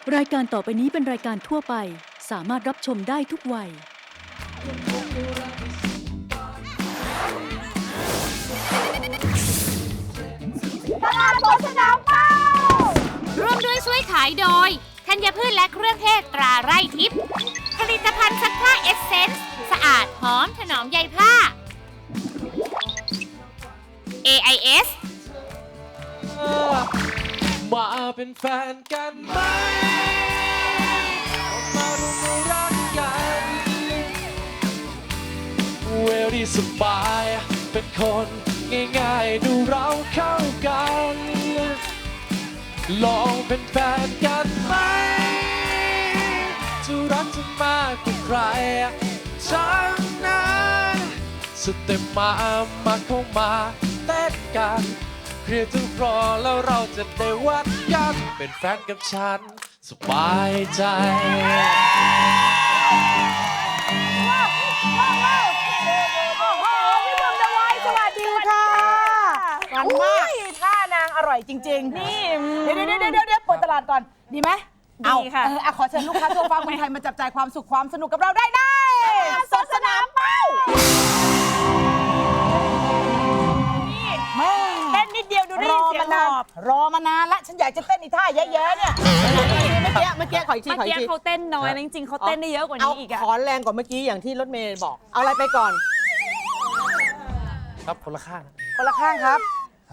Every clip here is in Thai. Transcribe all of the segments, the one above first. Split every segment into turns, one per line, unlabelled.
รายการต่อไปนี้เป็นรายการทั่วไปสามารถรับชมได้ทุกวัย
ตลาดสดสนามเป้า
ร่วมด้วยช่วยขายโดยธัญพืชและเครื่องเทศตราไร่ทิพย์ผลิตภัณฑ์ซักผ้าเอสเซนส์สะอาดหอมถนอมใยผ้า AIS
มาเป็นแฟนกันไหมมาร่วมรักกันเวลี่สบายเป็นคนง่ายๆดูเราเข้ากันลองเป็นแฟนกันไหมจะรักจะมากกว่าใครทั้งนั้นสเต็ปมาเข้ามาเต้นกันเคลียร์ทุกรอแล้วเราจะได้วัดกันเป็นแฟนกับฉันสบายใจ
พี่บอมดาวายสวัสดีค่ะวันมากท่านางอร่อยจริงๆนี่เดี๋ยวเปิดตลาดก่อนดีไหมดีค่ะขอเชิญลูกค้าทั่วฟ้าเมืองไทยมาจับจ่ายความสุขความสนุกกับเราได้ในสดสนามเป้าเต้นนิดเดียวดูได้ยินเสียงหอบรอมานานละฉันอยากจะเต้นอีท่าเยอะๆเนี่ยเมื่อกี้ขออีกที
เมื่อกี้เขาเต้นน้อยนะจริงๆเขาเต้นได้เยอะกว่านี้อีกอะ
ขอแรงกว่าเมื่อกี้อย่างที่รถเมย์บอกเอาอะไรไปก่อน
ครับคนละข้าง
คนละข้างครับ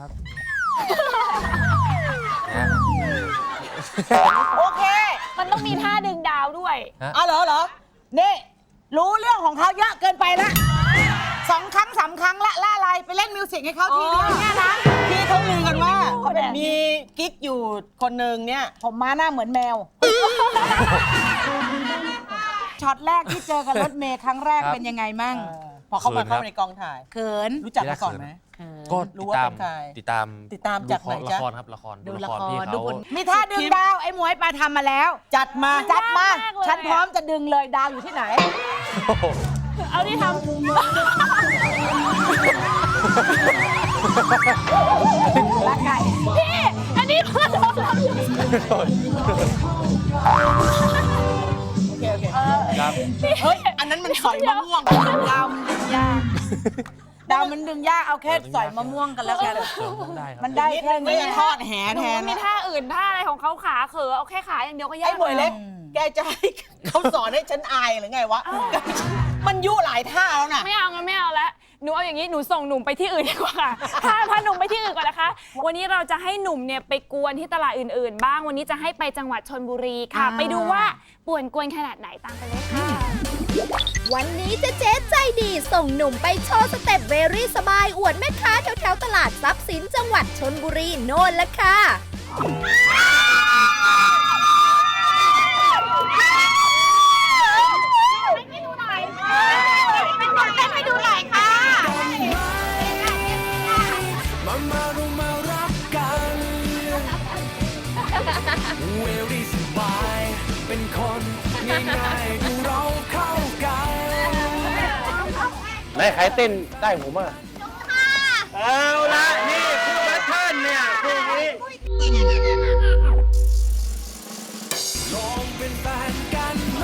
โอเค
มันต้องมีท่าดึงดาวด้วย
เอาเหรอนี่รู้เรื่องของเขาเยอะเกินไปละ2 ครั้ง 3 ครั้งละอะไรไปเล่นมิวสิกให้เขาทีเดียวเนี่ยนะที่เขาลือกันว่ามีกิ๊กอยู่คนหนึ่งเนี่ยผมม้าหน้าเหมือนแมวช็อตแรกที่เจอกับรถเมย์ครั้งแรกเป็นยังไงมั่งพอเข้ามาเข้าในกองถ่ายเขินรู้จักมาก่อนไหม
ก็
รู้ว่าเป็นใคร
ติดตาม
จากไหนจ๊ะ
ละครครับละคร
ดูละค
พี่
ร
เขา
ดูผลมีท่าดึงดาวไอ้หมวยปลาทำมาแล้ว จัดมาฉันพร้อมจะดึงเลยดาวอยู่ที่ไหน
เอาที่ทำ
ละไก่
พี่อันนี้พอโดนเราอยู่
โอเค
ครับ
เฮ้ยอันนั้นมันสอยมะม่วงดาวมันดึงยากดาวมันดึงยากเอาแค่สอยมะม่วงกันแล้วกัน
ได้ครับ
มันได้แค่นี้ทอดแห
หนู
แทน
มีท่าอื่นท่าอะไรของเขาขาเขอเอาแค่ขาอย่างเดียวก็ยาก
ไอ้หมวยเล็กแกจะให้เขาสอนให้ฉันอายหรือไงวะมันยุ่หลายท่าแล้วน่ะ
ไม่เอางั้นไม่เอาแล้วหนูเอาอย่างนี้หนูส่งหนุ่มไปที่อื่นดีกว่าพาหนุ่มไปที่อื่นก่อนนะคะ วันนี้เราจะให้หนุ่มเนี่ยไปกวนที่ตลาดอื่นๆ บ้างวันนี้จะให้ไปจังหวัดชลบุรีค่ะ ไปดูว่าป่วนกวนขนาดไหนตามไปเลยค่ะ
วันนี้เจ๊ใจดีส่งหนุ่มไปโชว์สเต็ปเวรี่สบายอวดแม่ค้าแถวๆตลาดทรัพย์สินจังหวัดชลบุรีโน่นละค่ะ
มารักกันเวลี่สบายเป็นคนง่ายๆดูเราเข้ากันไหนใครเต้นได้ผมอ่ะเอาละนี่คือแพทเทิร์นเนี่ยพวกนี้ลองเป็นแฟนกันไหม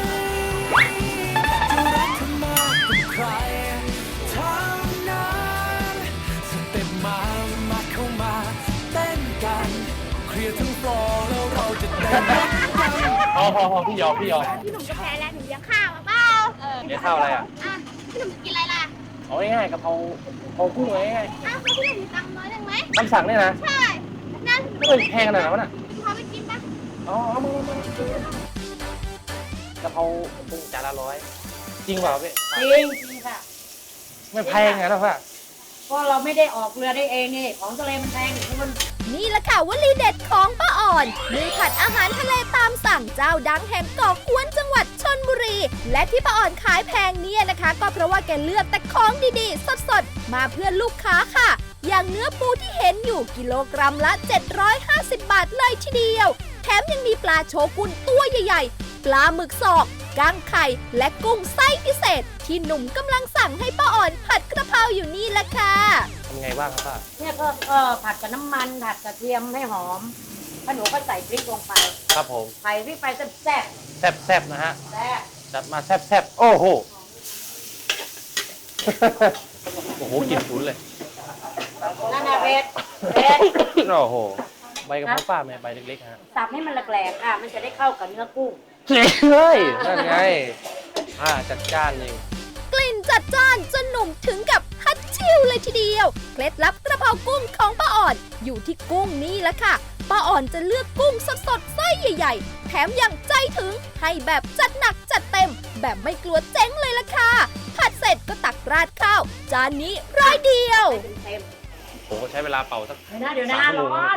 จะรักเธอมากกว่าใครทั้งนั้นสเต็ปมาเข้ามาเต้นกันเคลียร์ทั้งฟลอร์แล้วเราจะเต้นกันพอพี่ยอม
พี่หนุ่มจะแพ้แล้วหนูเลี้ยงข้าวเปล่า
เดี๋ยวข้าวอะไรอ่ะ
พี่หนุ่มกินอะไรล่ะ
เอาง่ายๆกะเพรากุ้งง่าย
แล้วพี่หนุ่มมีตังค์น้อยได้ไหม
ๆตำสั่งเนี่ยนะ
ใช่นั่น
ไม่เป็นแพงขนาดนั้นวะน่ะ
พาไปกินปะ
อ๋อมากะเพรากุ้งจานละ100จริงเปล่าพี่
จริงค่ะ
ไม่แพงไงล่ะพ่อ
เพราะเราไม่ได้ออกเรือได้เองนี่ของทะเลมันแพงมัน
นี่แหละค่ะวลีเด็ดของป้าอ่อนมือผัดอาหารทะเลตามสั่งเจ้าดังแห่งเกาะกวนจังหวัดชลบุรี และที่ป้าอ่อนขายแพงเนี่ยนะคะ ก็เพราะว่าแกเลือกแต่ของดีๆ สดๆ มาเพื่อลูกค้าค่ะ อย่างเนื้อปูที่เห็นอยู่กิโลกรัมละ 750 บาทเลยทีเดียว แถมยังมีปลาโชกุนตัวใหญ่ๆ ปลาหมึกศอกก้างไข่ และกุ้งไส้พิเศษ ที่หนุ่มกำลังสั่งให้ป้าอ่อนผัดกระเพราอยู่นี่แหละค่ะ
ทำไงบ้างครับป้า
เนี่ยก็ผัดกับน้ำมันผัดกระเทียมให้หอม
พอหนูก็ใส่พริกลงไป
ครับผม
ใส่พริกไปแซ่บ
แซ่บๆนะฮะ
ๆแซ่บ
จัดมาแซ่บๆโอ้โห โอ้โหกลิ่นฉุนเลย
นั่นน่ะเผ็ดเผ็ด
โอ้โห ใบกะเพราป้าแม่ใบเล็กๆฮะ
สับให้มันแหลกๆค่ะ มันจะได้เข้ากับเนื้อกุ้ง
เฮ้ย นั่นไง จัดจ้านจริง
กลิ่นจัดจ้านจนหนุ่มถึงกับฮัดชิวเลยทีเดียว เคล็ดลับกระเพรากุ้งของป้าอ่อนอยู่ที่กุ้งนี่แหละค่ะ ป้าอ่อนจะเลือกกุ้งสดๆไส้ใหญ่ๆ แถมยังใจถึงให้แบบจัดหนักจัดเต็ม แบบไม่กลัวเจ๊งเลยล่ะค่ะ ผัดเสร็จก็ตักราดข้าว จานนี้ร้อยเดียว
เต็ม
โอ้โหใช้เวลาเป่าสัก
เดี๋ยวนะ
3 ชั่วโมง
ร้อน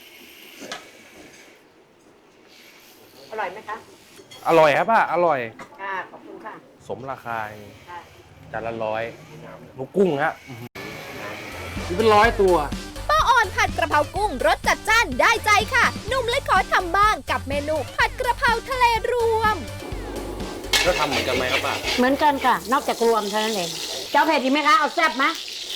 อร่อยไหมคะ
อร่อยครับป้า อร่อย
ค่ะ ขอบคุณค่ะ
สมราคา
ค่ะ
จานละ100ลูกกุ้งฮะนี่เป็น100 ตัว
ป้าอ่อนผัดกระเพรากุ้งรสจัดจ้านได้ใจค่ะ หนุ่มเลยขอทำบ้างกับเมนูผัดกระเพราทะเลรวม
แล้วทำเหมือนกันไหมครับป้า
เหมือนกันค่ะ นอกจากรวมเท่านั้นเอง เจ้าเผ็ดดีไหมคะ เอาแซ่บไหม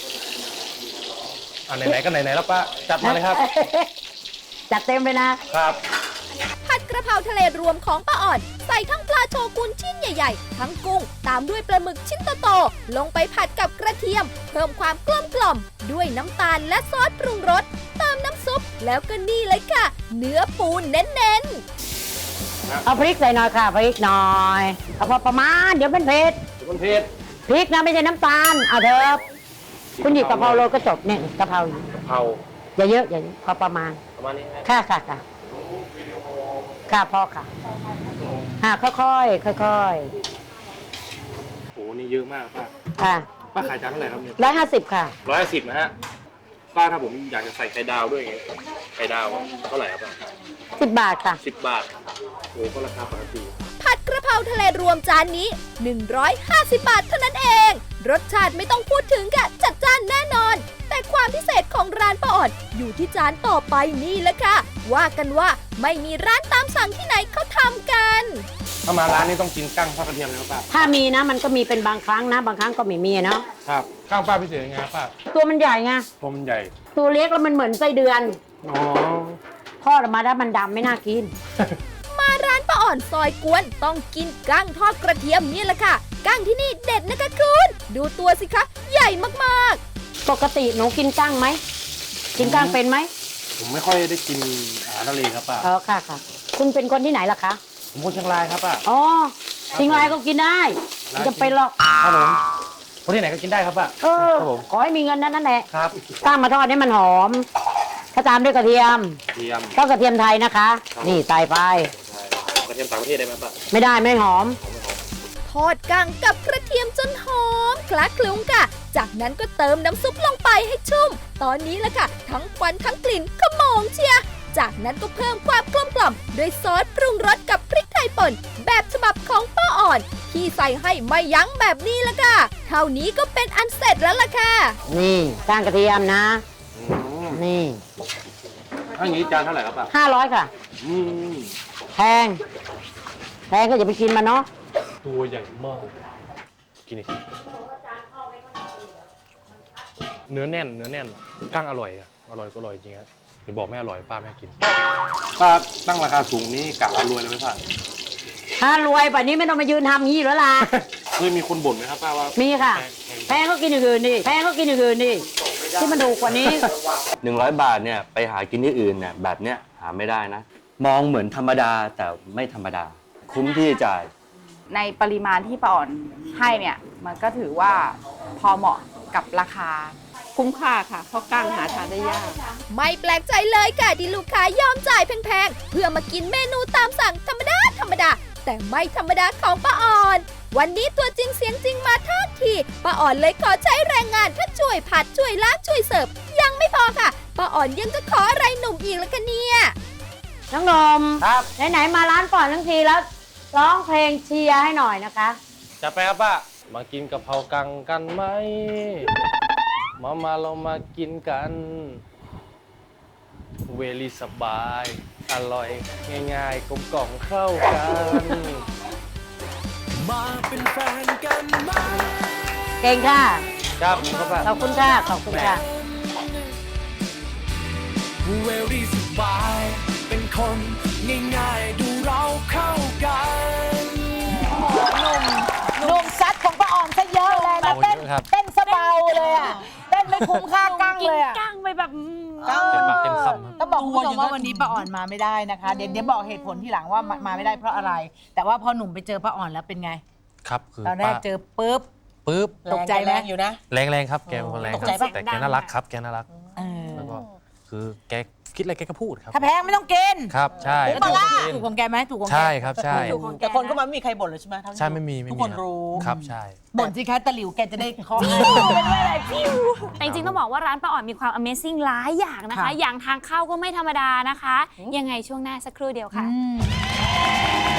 ไหนๆก็ไหนๆแล้วป้า จัดมาเลยครับ
จัดเต็มเลยนะ
ครับ
ผัดกระเพราทะเลรวมของป้าอ่อน ใส่ทั้งปลาโชกุนชิ้นใหญ่ๆ ทั้งกุ้ง ตามด้วยปลาหมึกชิ้นโตๆลงไปผัดกับกระเทียม เพิ่มความกลมกล่อมด้วยน้ำตาลและซอสปรุงรสเติมน้ำซุป แล้วก็นี่เลยค่ะ เนื้อปูเน้นๆ
เอาพริกใส่หน่อยค่ะ พริกหน่อย เอาพอประมาณ เดี๋ยวเป็นเผ็ด
คุณเพชร
พริกนะไม่ใช่น้ำตาล เอาเถอะคุณหยิบกะเพราโรยก็จบเนี่ยกะเพรา
กะเพรา
อย่าเยอะอย่าเยอะพอประมาณ
ประมาณนี้ฮะ
ค่ะค่ะค่ะค่ะพอค่ะค่อยๆค่อย
โอ้โหนี่เยอะมากป้า
ๆค่ะ
ป้าขายจานเท่าไหร่ครับเนี่ย
150 ค่ะ
110นะฮะ ป้าถ้าผมอยากจะใส่ไข่ดาวด้วยไงไข่ดาวเท่าไหร่ครับป้า
10 บาทค่ะ
10 บาท โอ้ก็ราคาปกติ
ผัดกระเพราทะเลรวมจานนี้ 150 บาทเท่านั้นเอง รสชาติไม่ต้องพูดถึงค่ะจัดจ้านแน่นอน แต่ความพิเศษของร้านป้าอ่อนอยู่ที่จานต่อไปนี่แหละค่ะ ว่ากันว่าไม่มีร้านตามสั่งที่ไหนเขาทำกัน
ถ้ามาร้านนี้ต้องกินกั้งทอดกระเทียมเลยครับป้า
ถ้ามีนะมันก็มีเป็นบางครั้งนะ บางครั้งก็ไม่มีเนาะ
ครับกั้งป้าพิเศษยังไงครับป้า
ตัวมันใหญ่ไง
ตัวมันใหญ่
ตัวเล็กแล้วมันเหมือนไส้เดือน
อ๋อ
ทอดออกมาแล้วมันดำไม่น่ากิน
มาร้านป้าอ่อนซอยกวนต้องกินกั้งทอดกระเทียมนี่แหละค่ะกั้งที่นี่เด็ดนะคะคุณดูตัวสิคะใหญ่มาก
ปกติหนูกินกั้งไหม กินกั้งเป็นไหม
ผมไม่ค่อยได้กินอาหารทะเลครับป้า
อ๋อค่ะค่ะ คุณเป็นคนที่ไหนล่ะคะ
ผมคนเชียงรายครับป้า
อ๋อเชียงรายก็กินได้ไม่จะเป็นหรอก
ครับผมคนที่ไหนก็กินได้ครับป้า
เออ
ครับผม
ขอให้มีเงินนั่นแหละ
ครับ
ตั้งมาทอดให้มันหอมถ้าตามด้วยกระเทียม
เทียม
ต้องกระเทียมไทยนะคะ นี่ใส่ไป
กระเทียมต่างประเทศได้ไหมป้า
ไม่ได้ไม่หอม
ๆ ทอดกั้งกับกระเทียมจนหอมคละคลุ้งค่ะ จากนั้นก็เติมน้ำซุปลงไปให้ชุ่ม ตอนนี้แหละค่ะ ทั้งควันทั้งกลิ่นขโมงเชียร์จากนั้นก็เพิ่มความกลมกล่อมด้วยซอสปรุงรสกับพริกไทยป่นแบบฉบับของป้าอ่อน ที่ใส่ให้ไม่ยั้งแบบนี้ละค่ะ เท่านี้ก็เป็นอันเสร็จแล้วล่ะค่ะ
นี่ก้างกระเทียมนะ นี่
ถ้าอย่างนี้จานเท่าไหร่ครับป้า
500 ค่ะ
อืม
แพงก็อย่าไปกินมันเนาะ
ตัวใหญ่มาก กินอีกเนื้อแน่นกั้งอร่อยอะอร่อยก็อร่อยจริงครับเดี๋ยวบอกไม่อร่อยป้าไม่ให้กิน ป้าตั้งราคาสูงนี่กะเอารวยเลยไหมป้า
ถ้ารวยป่านนี้ไม่ต้องมายืนทำงี้แล้วล่ะ
เคยมีคนบ่นไหมครับป้าว่า
มีค่ะ แพงก็กินอย่างอื่นดิที่มันถูกกว่านี้
100 บาทเนี่ยไปหากินที่อื่นเนี่ยแบบเนี้ยหาไม่ได้นะ มองเหมือนธรรมดาแต่ไม่ธรรมดา คุ้มที่จะจ่าย
ในปริมาณที่ป้าอ่อนให้เนี่ยมันก็ถือว่าพอเหมาะกับราคาคุ้มค่าค่ะ เพราะกั้งหาทานได้ยาก
ไม่แปลกใจเลยค่ะที่ลูกค้ายอมจ่ายแพงๆ เพื่อมากินเมนูตามสั่งธรรมดา แต่ไม่ธรรมดาของป้าอ่อน วันนี้ตัวจริงเสียงจริงมาทันทีป้าอ่อนเลยขอใช้แรงงานทั้งช่วยผัดช่วยล้างช่วยเสิร์ฟยังไม่พอค่ะป้าอ่อนยังจะขออะไรหนุ่มอีกละคะเนี่ย
น้องนม
ครับ
ไหนๆมาร้านก่อนทั้งทีแล้ว ร้องเพลงเชียร์ให้หน่อยนะคะ
จะไปครับป้า มากินกะเพรากังกันไหม มาเรามากินกัน เวลีสบาย อร่อย ง่ายๆ กลมกล่อมเข้ากัน มาเป็นแฟนกันไหม
เก่งค่ะ
ครับครับป้า
ขอบคุณค่ะ ขอบคุณค่ะ
เวลีสบาย เป็นคนง่ายๆดูเราเข้ากัน
หนุ่มซัดของป้าออมซะเยอะเลยนะ
โอ้
เต้น
เยอะครับ
เต้นสะเบาเลยอะเต้นไม่คุ้มค่ากั้งเลยอะ
กั้งไปแบบ
เต็มปากเต็มคำครับ
ต้องบอกคุณผู้ชมว่าวันนี้ป้าอ่อนมาไม่ได้นะคะ เดี๋ยวบอกเหตุผลที่หลังว่ามาไม่ได้เพราะอะไร แต่ว่าพอหนุ่มไปเจอป้าอ่อนแล้วเป็นไง
ครับคือ
ตอนแรก
ป้า
เจอปุ๊บ
ปุ๊บ
ตกใจไหมอยู่นะ
แรงๆครับแกเป็นคนแรง
ตก
ค
ใจ
รับ
ปะ
แต่แกน่ารักครับแกน่ารัก
เออ
แล้วก็คือแกคิดอะไรแกก็พูดครับ
ถ้าแพงไม่ต้องกิน
ครับใช่
ถูกของแกไหมถูกของแก
ใช่ครับใช่
แต่คนก็มาไม่มีใครบ่นเลยใช่ไหม
ใช่ไม่มีทุกคนรู้ครับใช่
บ่นสิคะตะหลิวแกจะได้เคาะ
แต่จริงๆต้องบอกว่าร้านป้าอ่อนมีความ Amazing หลายอย่างนะคะ
ค่ะ
อย่างทางเข้าก็ไม่ธรรมดานะคะ ยังไงช่วงหน้าสักครู่เดียวค่ะ
อืม